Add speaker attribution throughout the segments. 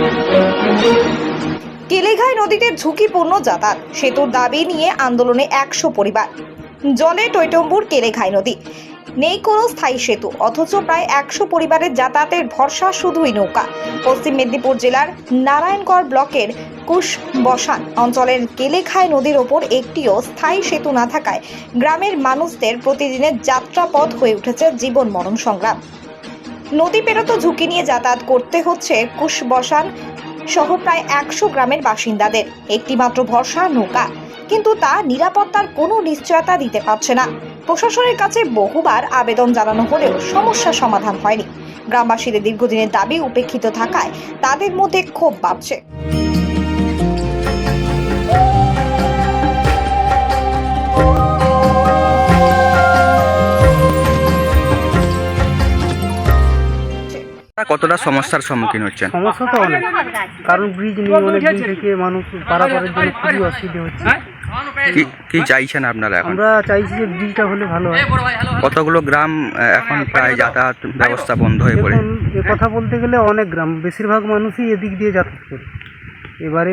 Speaker 1: কেলেঘাই নদীতে ঝুঁকিপূর্ণ যাতায়াত, সেতুর দাবি নিয়ে আন্দোলনে 100 পরিবার। জলে টইটম্বুর কেলেঘাই নদী, নেই কোনো স্থায়ী সেতু, অথচ প্রায় 100 পরিবারের যাতায়াতের ভরসা শুধুই নৌকা। পশ্চিম মেদিনীপুর জেলার নারায়ণগড় ব্লকের কুশবসান অঞ্চলের কেলেঘাই নদীর ওপর একটিও স্থায়ী সেতু না থাকায় গ্রামের মানুষদের প্রতিদিনের যাত্রাপথ হয়ে উঠেছে জীবন মরণ সংগ্রাম। নদী পেরোতো ঝুঁকি নিয়ে যাতায়াত করতে হচ্ছে কুশবসান সহ প্রায় 100 গ্রামের বাসিন্দাদের। একটি মাত্র ভরসা নৌকা, কিন্তু তা নিরাপত্তার কোনো নিশ্চয়তা দিতে পারছে না। প্রশাসনের কাছে বহুবার আবেদন জানানো হলেও সমস্যা সমাধান হয়নি। গ্রামবাসীদের দীর্ঘদিনের দাবি উপেক্ষিত থাকায় তাদের মধ্যে ক্ষোভ বাড়ছে।
Speaker 2: কতটা সমস্যার সম্মুখীন হচ্ছেন?
Speaker 3: সমস্যা তো অনেক, কারণ ব্রিজ নিয়ে অনেক দিন থেকে মানুষ পারাপারের জন্য খুবই অসুবিধা হচ্ছে।
Speaker 2: কি চাইছেন আপনারা এখন?
Speaker 3: আমরা চাইছি যে ব্রিজটা হলে ভালো হয়।
Speaker 2: কতগুলো গ্রাম এখন প্রায় যাতায়াত ব্যবস্থা বন্ধ হয়ে পড়ে?
Speaker 3: এখন এ কথা বলতে গেলে অনেক গ্রাম, বেশিরভাগ মানুষই এদিক দিয়ে যাতায়াত করে। এবারে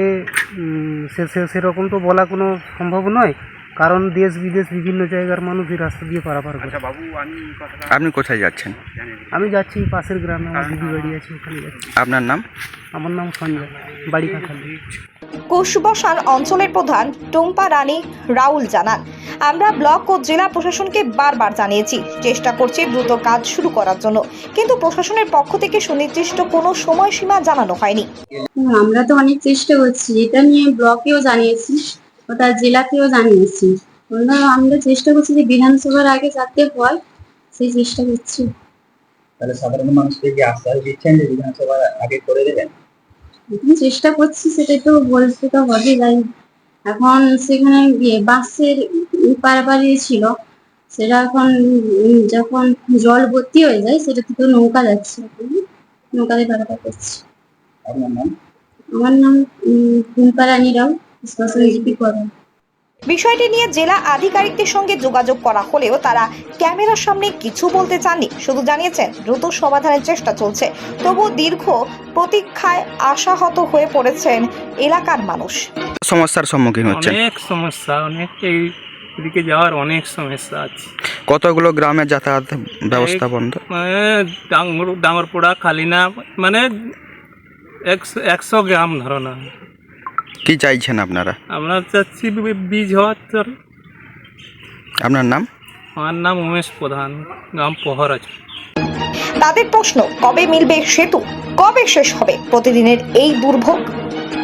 Speaker 3: সেরকম তো বলা কোনো সম্ভব নয়, কারণ দেশ বিদেশ বিভিন্ন জায়গার মানুষ এই রাস্তা দিয়ে পারাপার করে।
Speaker 2: আপনি কোথায় যাচ্ছেন?
Speaker 3: আমি যাচ্ছি পাশের গ্রামে, আমার দিদি বাড়ি আছে, ওখানে যাচ্ছি।
Speaker 2: আপনার নাম?
Speaker 3: আমার নাম সঞ্জয়, বাড়ি কাঁঠালি।
Speaker 1: কুশবসান অঞ্চলের প্রধান টুম্পা রানী রাউল জানান, আমরা ব্লক ও জেলা প্রশাসনকে বারবার জানিয়েছি, চেষ্টা করছি দ্রুত কাজ শুরু করার জন্য, কিন্তু প্রশাসনের পক্ষ থেকে সুনির্দিষ্ট কোনো সময়সীমা জানানো হয়নি।
Speaker 4: আমরা তো অনেক চেষ্টা করছি, এটা নিয়ে ব্লকেও জানিয়েছি, ওটা জেলাকেও জানিয়েছি। আমরা চেষ্টা করছি যে বিধানসভার আগে যাতে হয়, সেই চেষ্টা করছি।
Speaker 5: তাহলে সাধারণ মানুষকে কি আশ্বাস দিচ্ছেন যে বিধানসভার আগে করে দেবেন?
Speaker 4: চেষ্টা করছি, সেটাই তো বলতে তো হবে। যাই এখন সেখানে গিয়ে বাসের পারাপারি ছিল, সেটা এখন যখন জল ভর্তি হয়ে যায় সেটা থেকে নৌকা যাচ্ছে, নৌকাতে পারাপার করছি।
Speaker 5: আপনার নাম?
Speaker 4: আমার নাম টুম্পা রানী রাও, স্পেশাল জিপি করা।
Speaker 1: বিষয়টি নিয়ে জেলা আধিকারিকদের সঙ্গে যোগাযোগ করা হলেও তারা ক্যামেরার সামনে কিছু বলতে চাননি, শুধু জানিয়েছেন দ্রুত সমাধানের চেষ্টা চলছে। তবু দীর্ঘ প্রতীক্ষায় আশাহত হয়ে পড়েছেন এলাকার মানুষ।
Speaker 2: সমস্যার সম্মুখীন হচ্ছেন?
Speaker 6: অনেক সমস্যা, অনেক এইদিকে যাওয়ার অনেক সমস্যা আছে।
Speaker 2: কতগুলো গ্রামের যাতায়াত ব্যবস্থা বন্ধ?
Speaker 6: ডাঙ্গরপোড়া, খালিনা, মানে 100 গ্রাম ধরো না।
Speaker 2: কি চাইছেন আপনারা?
Speaker 6: আমরা চাচ্ছি বীজ হওয়ার।
Speaker 2: আপনার নাম?
Speaker 6: আমার নাম উমেশ প্রধান, গ্রাম পহর আছে।
Speaker 1: তাদের প্রশ্ন, কবে মিলবে সেতু, কবে শেষ হবে প্রতিদিনের এই দুর্ভোগ?